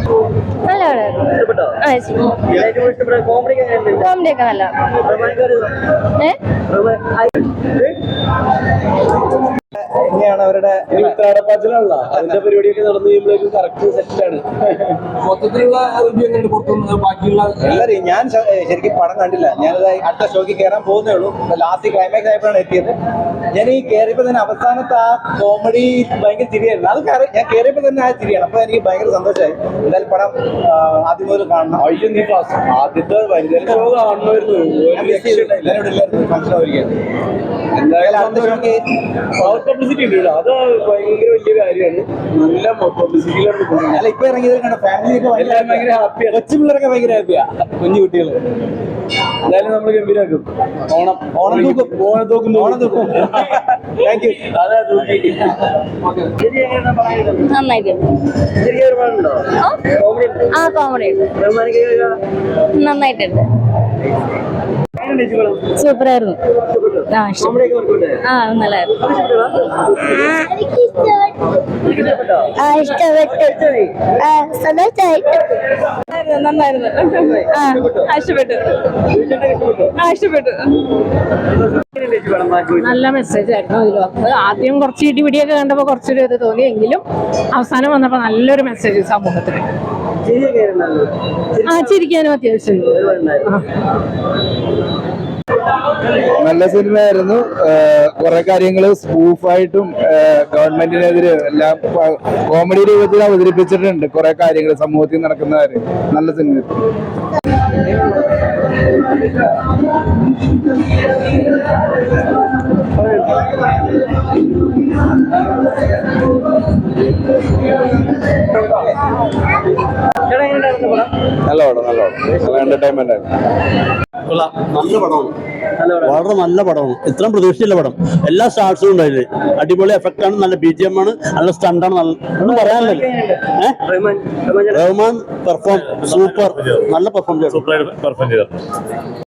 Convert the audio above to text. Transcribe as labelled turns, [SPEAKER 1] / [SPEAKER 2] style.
[SPEAKER 1] നല്ല കോമഡി ഒക്കെ നല്ല
[SPEAKER 2] എങ്ങനെയാണ് അവരുടെ ഉത്രാടപ്പാച്ചിലുള്ള അതിന്റെ പരിപാടിയൊക്കെ നടന്നു കഴിയുമ്പോഴേക്കും കറക്റ്റ് സെറ്റാണ്.
[SPEAKER 3] മൊത്തത്തിലുള്ള ബാക്കിയുള്ള
[SPEAKER 2] എല്ലാവരും ഞാൻ ശരിക്കും പടം കണ്ടില്ല. ഞാനത് അടുത്ത ഷോക്ക് കയറാൻ പോകുന്നേ ഉള്ളൂ. ലാസ്റ്റ് ക്ലൈമാക്സ് ആയപ്പോഴാണ് എത്തിയത്. ഞാൻ ഈ കയറിയപ്പോൾ തന്നെ അവസാനത്തെ ആ കോമഡി ഭയങ്കര ചിരിയായിരുന്നു. അത് ഞാൻ കയറിയപ്പോൾ തന്നെ ആ ചിരിയാണ്. അപ്പൊ എനിക്ക് ഭയങ്കര സന്തോഷമായി. എന്തായാലും പടം ആദ്യം മുതൽ കാണണം.
[SPEAKER 3] അയ്യോ നീ ആദ്യത്തെ വനിതാ ഷോ കാണണമായിരുന്നു.
[SPEAKER 2] ഫംഗ്ഷൻ ആയിരിക്കും.
[SPEAKER 3] എന്തായാലും അടുത്ത ഷോക്ക് പബ്ലിസിറ്റി ഉണ്ട്. അത് ഭയങ്കര വലിയ കാര്യമാണ്. നല്ല പബ്ലിസിറ്റിയിലാണ് പോകുന്നത്.
[SPEAKER 2] അല്ല ഇപ്പൊ ഇറങ്ങിയത് ഫാമിലി ഒക്കെ
[SPEAKER 3] ഭയങ്കര ഹാപ്പിയാണ്.
[SPEAKER 2] കൊച്ചു പിള്ളേരൊക്കെ ഭയങ്കര ഹാപ്പിയാ. കുഞ്ഞു കുട്ടികൾ
[SPEAKER 3] എന്തായാലും നമ്മൾ ഗംഭീരാക്കും.
[SPEAKER 2] ഓണം തൂക്കും. Thank you.
[SPEAKER 3] അതെ തൂക്കി
[SPEAKER 1] നന്നായിട്ടുണ്ട്. ആ കോമഡി നന്നായിട്ടുണ്ട്. സൂപ്പറായിരുന്നു. നല്ലായിരുന്നു. നന്നായിരുന്നു. ഇഷ്ടപ്പെട്ടു.
[SPEAKER 4] നല്ല മെസ്സേജ് ആയിരുന്നു ഇതിൽ വന്നത്. ആദ്യം കുറച്ച് ഇടിപിടിയൊക്കെ കണ്ടപ്പോൾ കുറച്ചൊരു ഇത് തോന്നി. എങ്കിലും അവസാനം വന്നപ്പോൾ നല്ലൊരു മെസ്സേജ് സമൂഹത്തിന്. ചിരിക്കാനും അത്യാവശ്യം.
[SPEAKER 5] നല്ല സിനിമയായിരുന്നു. കുറെ കാര്യങ്ങൾ സ്പൂഫായിട്ടും ഗവൺമെന്റിനെതിരെ എല്ലാം കോമഡി രൂപത്തിൽ അവതരിപ്പിച്ചിട്ടുണ്ട്. കുറെ കാര്യങ്ങൾ സമൂഹത്തിൽ നടക്കുന്ന കാര്യം. നല്ല സിനിമ. നല്ല പടം നല്ല എന്റർടൈൻമെന്റ് ആയിരുന്നു.
[SPEAKER 6] നല്ല പടമാണ്. വളരെ നല്ല പടമാണ്. ഇത്രയും പ്രതീക്ഷിച്ചില്ല പടം. എല്ലാ സ്റ്റാർസും ഉണ്ടായില്ലേ. അടിപൊളി എഫക്റ്റ് ആണ്. നല്ല BGM ആണ്. നല്ല സ്റ്റണ്ടാണ്. ഒന്നും പറയാനില്ല. Rahman perform super. നല്ല പെർഫോം ചെയ്തു.